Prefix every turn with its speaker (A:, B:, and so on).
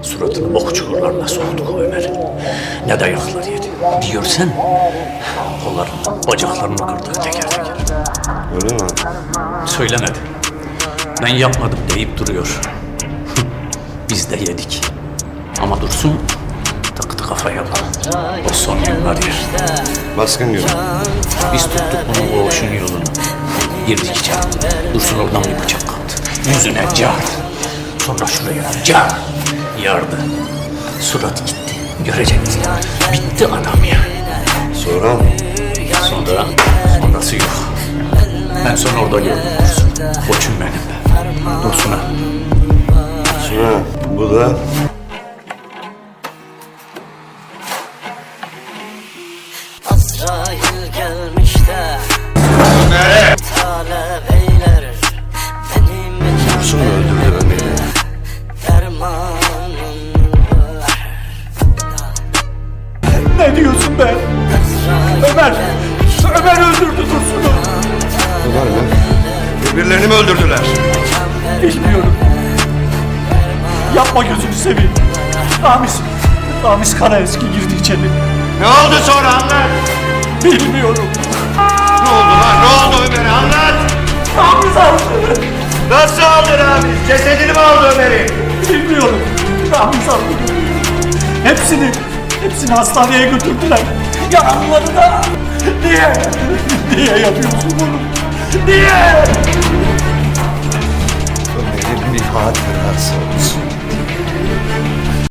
A: Suratını bok çukurlarına soktuk o Ömer'in. Ne dayaklar yedi. Bir görsen kollarını, bacaklarını kırdık teker teker.
B: Öyle mi?
A: Söylemedi. Ben yapmadım deyip duruyor. Biz de yedik. Ama Dursun taktı kafaya bunu. O son yıllar yer.
B: Baskın günü.
A: Biz tuttuk bunun koğuşun yolunu. Girdik içeri. Dursun oradan bir bıçak kaptı. Yüzüne car. Sonra şuraya car. Yardı. Surat gitti. Görecektin. Bitti adam ya.
B: Sonra
A: Sonrası yok. Ben sonra orada gördüm Dursun. Koçum benim. Dursun'a.
B: sonra bu da
C: Azrail gelmiş de talep eyler benim
B: Dursun mu öldürdü Ömer'i?
C: dermanım
A: Ne diyorsun be? Ömer öldürdü Dursun'u.
B: Ömer mi? Birbirlerini mi öldürdüler?
A: Bilmiyorum. Yapma gözünü seveyim. Ramiz Karaeski girdi içeri.
B: Ne oldu sonra anlat.
A: Bilmiyorum.
B: Ne oldu lan? Ne oldu Ömer'e anlat.
A: Ramiz aldı.
B: Nasıl aldı Ramiz? Cesedini mi aldı Ömer'i?
A: Bilmiyorum. Ramiz aldı. Hepsini hastaneye götürdüler. Yaralıları da. Niye yapıyorsun bunu? Niye?
B: Ömer'in bir hatırası olsun.